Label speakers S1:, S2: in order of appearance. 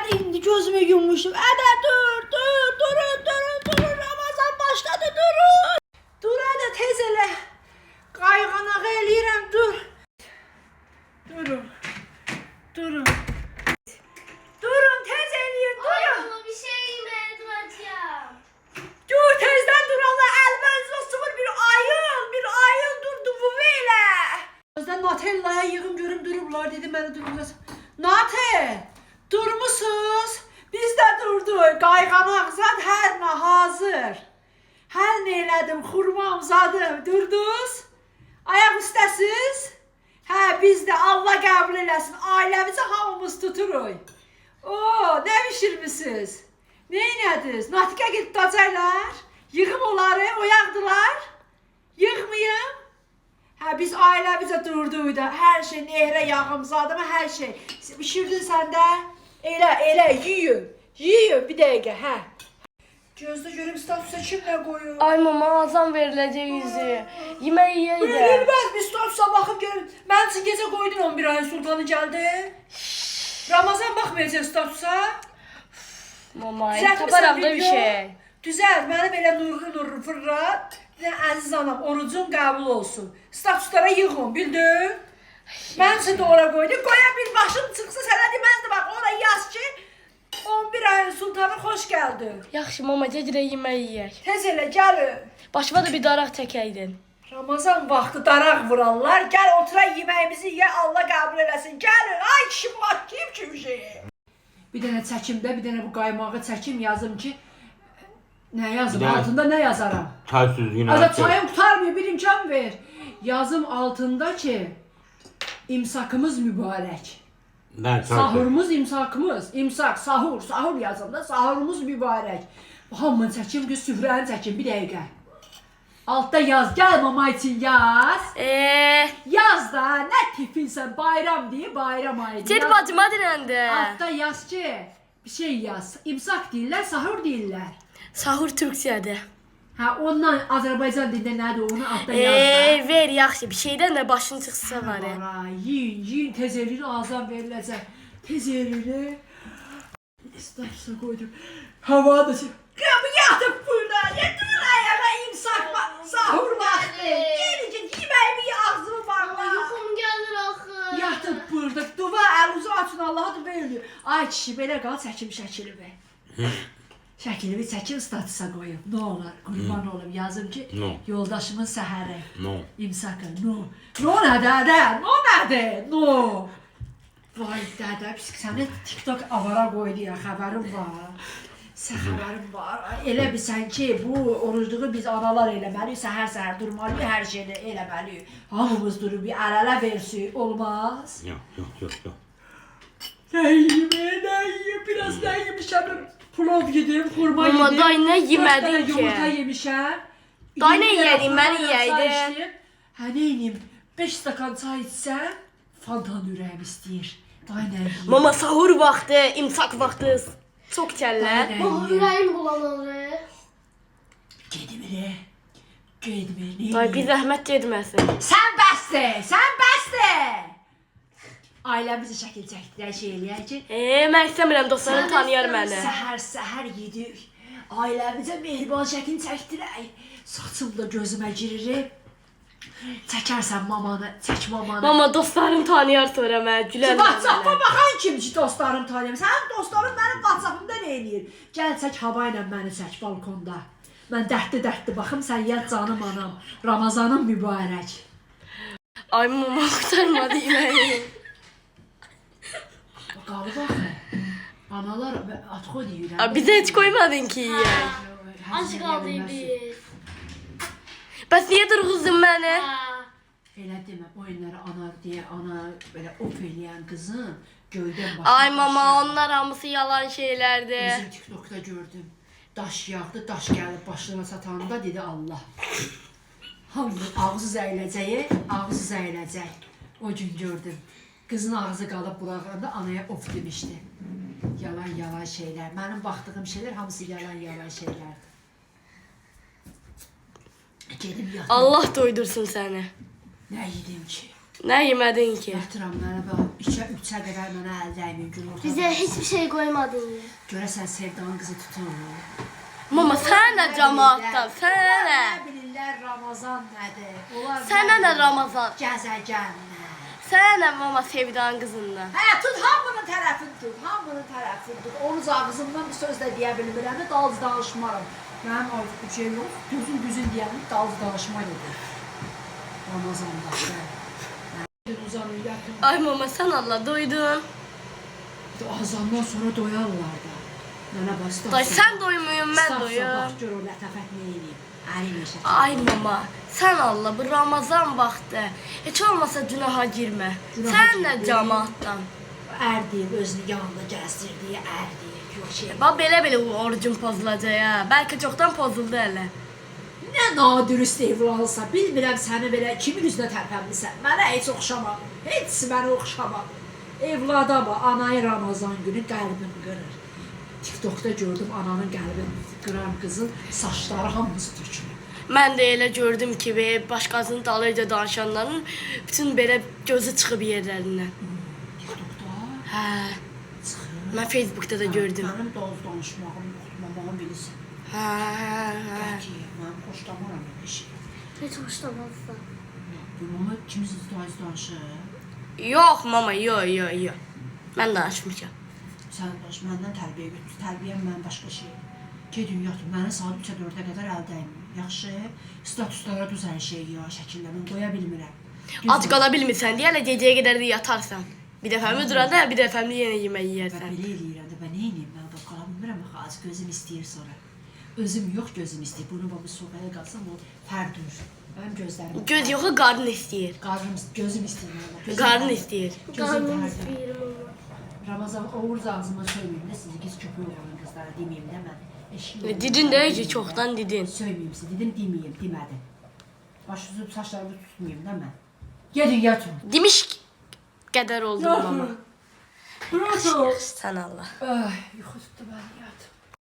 S1: indi gözümü yummuşum. Ədə durun. Ramazan başladı, durun. Dur ədə tez elə. Qayğanaq eləyirəm, dur. Durun. Durun tez eləyin, durun.
S2: Ay baba bir şey yemedim acaba.
S1: Dur tezdən dur Allah əlbəzə sıfır bir ayıl durdu bu belə. Özdən Natella'ya yığım görüm durublar dedi məni durmaz. Nate durmusuz. Biz də durduq. Qayğanaq zad hər nə hazır. Hər nə elədim, xurmam zadım. Durduz. Ayaq üstəsiz. Hə biz də Allah qəbul eləsin. Ailəmizə hamımız tuturuq. Oo, nə bişirmisiniz? Ne inədiniz? Natiqə gedib dacaylar. Yığım onları, oyaqdılar. Yığmayım. Hə biz ailəmizə durduq da. Hər şey nehrə yağımzadı mı hər şey. Bişirdin sən də. Elə yiyin. Bir dəqiqə, hə. Gözdə görüm statusa kimlə qoyur?
S3: Ay mama azam veriləcək yüzü. Yemək yeyək də.
S1: Verilməz, biz statusa baxıb görüm. Mən üçün gecə qoydun 11 ayın sultanı gəldi. Ramazan baxmayacaq statusa.
S3: Mama, taparam da bir şey.
S1: Düzəlt, mənim elə nurlu fırlat. Əziz anam, orucun qəbul olsun. Statuslara yığın, bildin? Mən üçün də ora qoydum. Qoya bir başım çıxsa sənə deməzdi, bax, ora yaz ki, 11 ayın sultanı xoş gəldi.
S3: Yaxşı mama, gecirə yemək yeyək.
S1: Tez elə, gəlin.
S3: Başıma da bir daraq çəkəydin.
S1: Ramazan vaxtı daraq vurarlar. Gəl otura yeməyimizi ye, Allah qəbul eləsin. Gəlin, ay kişi bakayım ki bir şey. Bir dənə çəkimdə, bir dənə bu qaymağı çəkim yazım ki, nə yazım, altında nə yazaram?
S4: Çaysız yine.
S1: Azad çayım tutarmıyor, bir imkan ver. Yazım altında ki, imsakımız mübarək. Sahurumuz imsakımız. İmsak, sahur yazım da, sahurumuz mübarək. Hamını çəkim ki, süfrəni çəkim, bir dəqiqə. Altta yaz, gəl mama için yaz. Yaz da, nə tipinsən, bayram deyə bayram ayı.
S3: Gel bacıma dirəndə.
S1: Altta yaz ki, bir şey yaz. İmsak deyirlər, sahur deyirlər.
S3: Sahur türkçədir.
S1: Hə, ondan Azərbaycan dilində nədir, onu altta yaz da.
S3: Ver yaxşı, bir şeydən də başın çıxsa var.
S1: Yiyin, tez elini azam veriləcək. Tez elini. İstərsə qoydum. Hava da qapı yatıb burada. Dur ayağa imsak var, sahur vaxtı. Gelin ki, yeməyimi ağzımı bağla.
S2: Yuxum gəlir axı.
S1: Yatıb burada. Duva əluzu açın, Allah'a da verilir. Ay kişi, belə qal, çəkim şəkilimi. Şəkilimi çəkin, statusa qoyum. Nə olar, qurban olum, yazım ki, yoldaşımın səhəri. İmsakı, no nədir? Vay dədə, biz səni TikTok avara qoydu ya, xəbərim var. Xəbərim var. Elə bilsən ki, bu orucluğu biz analar eləməliyik, səhər durmalıyıq, hər şeyini eləməliyik. Hamımız durub bir əl-ələ versik, olmaz?
S4: Yok.
S1: Nə yiyim, biraz nə yemişəm, plov yedim, xurma yedim.
S3: Mama, day nə yemədin ki?
S1: 4 dənə yumurta yemişəm.
S3: Day nə yedin, mən yeyəydim.
S1: Hə, nə yiyim, 5 stakan çay içsəm, fantan ürəyim istəyir. Day nə yiyim.
S3: Mama, sahur vaxtı, imsak vaxtı. Çox kəllər.
S2: Baba ürəyim bulanır.
S1: Gedmir, nə
S3: Day, bir zəhmət gedməsin.
S1: Sən bəsdir. Ailəmizə şəkil çəkdirək, şey eləyək ki.
S3: Mən istəmirəm, dostlarım tanıyar məni.
S1: Səhər yedik. Ailəmizə mehriban şəkil çəkdirək. Saçım da gözümə girir. Çəkərsən mamanı, çək mamanı.
S3: Mama, dostlarım tanıyar sonra mən, gülər
S1: WhatsApp-a baxan kim ki dostlarım tanıyır. Sənin dostların mənim WhatsApp-ımda nə eləyir? Gəl çək hava ilə məni çək balkonda. Mən dərdli baxım, sən yat canım anam. Ramazanın mübarək.
S3: Ay mama, qurtarmadı yeməyi.
S1: Qalı baxın. Analar atxo deyirəm.
S3: Bizə heç qoymadın ki yeyək.
S2: Ac qaldı biz.
S3: Bəs niyə durğuzdun məni?
S1: Elə demə, oyunları anar deyə, ana belə op eləyən qızın göydən başına.
S3: Ay mama, onlar hamısı yalan şeylərdir.
S1: Bizim TikTok'da gördüm. Daş yağdı, daş gəlib başına satanda dedi Allah. Hamı ağzı zəyləcək. O gün gördüm. Qızın ağzı qalıb bulağında anaya of demişdi. Yalan şeylər. Mənim baxdığım şeylər hamısı yalan şeylərdir. Gedim yatım.
S3: Allah doydursun səni.
S1: Nə yedim ki?
S3: Nə yemədin ki?
S1: Yatıram mənə bax. 2-3-ə qədər mənə əl dəymiyor gün ortada.
S2: Bize hiçbir şey koymadın ya.
S1: Görəsən Sevdanın qızı tutur.
S3: Mama sən də cəmaatdan, sən
S1: Onlar
S3: nə?
S1: nə bilirlər Ramazan nədir? Onlar
S3: Sənə nə Ramazan?
S1: Gəzəgənlər.
S3: Sən nə mama Sevdanın qızından?
S1: Hə, tut hamının tərəfini tut, hamının tərəfini tut. Onun ağzımdan bir söz də deyə bilmirəm, dalız danışmaram. Mənim artıq bir şey yox, gözüm düzün deyənim, dalız danışma gedir. Ramazanda. Uzanın, yatın.
S3: Ay mama sən Allah doydun.
S1: Azandan sonra doyarlar da. Mənə bax,
S3: Day sən doymuyum, mən doyum.
S1: Bax, gör o lətafət nə eləyim. Əli neşə.
S3: Ay mama, sən Allah bu Ramazan vaxtı heç olmasa günaha girmə.
S1: Günaha
S3: Sən də
S1: girmə.
S3: cəmaatdan.
S1: Ər deyib, özünü yanında gəzdirdiyi ər deyib. Yox şey.
S3: Bax belə-belə orucun pozulacaq ha. Bəlkə çoxdan pozuldu hələ.
S1: Nə nadürüst evlansa, bilmirəm səni belə kimin üzünə tərpənmisən. Mənə heç oxşamadı. Heç mənə oxşamadı. Evlada bax, anayı Ramazan günü qəlbim qırır. TikTokda gördüm ananın qəlbini qıran qızın saçları hamısı tökülür.
S3: Mən də elə gördüm ki, başqasının dalıyca danışanların bütün belə gözü çıxıb yerlərindən.
S1: TikTokda
S3: Hə,
S1: çıxır.
S3: mən Facebookda da gördüm.
S1: Mənim doz danışmağım yoxdur, mamağım bilirsin.
S3: Hə, hə.
S1: Qəti, mən xoşlamaram belə şey.
S2: Hiç hoşlanmazsa.
S1: Bunu kimisi danışır.
S3: Yox mama, yox. Mən danışmışam.
S1: Sən baş, məndən tərbiyə götür. Tərbiyəm mən başqa şey. Gedin yatın, mənə saat 3-ə 4-ə qədər əl dəymir. Yaxşı, statuslara düz hər şey ya, şəkillərini qoya bilmirəm.
S3: Ac qala bilmirsən deyə elə gecəyə qədər də yatarsan. Bir dəfəmi duranda, bir dəfəmi yenə yemək
S1: Mən
S3: yeyərsən.
S1: belə eləyirəm də, mən nə eləyim? Mən bax, qala bilmirəm, axı, az gözüm istəyir sonra. Özüm yox, gözüm istəyir. Bunu bax, soğaya qalsam, o fərdur. Mənim gözlərim...
S3: Göz yoxu qarın istəyir.
S1: Gözüm istəyir. Gözüm
S3: Qarın
S1: fərdur.
S3: istəyir.
S1: Gözüm
S2: Karnım
S1: fərdur.
S2: istiyorum ama.
S1: Ramazan Oğuz ağzıma söyləyim də sizi qız köpək olan qızlara deməyim də mən. Eşiyorum.
S3: Didin də ki, çoxdan didin.
S1: Söyləyim sizə, dedim deməyim, demədim. Başınızı saçlarımı tutmayayım da mən. Gedin yatın.
S3: Demiş qədər oldu mama.
S1: Yatın.
S3: Sən Allah.
S1: Ay, yuxu tutdu məni, yatın.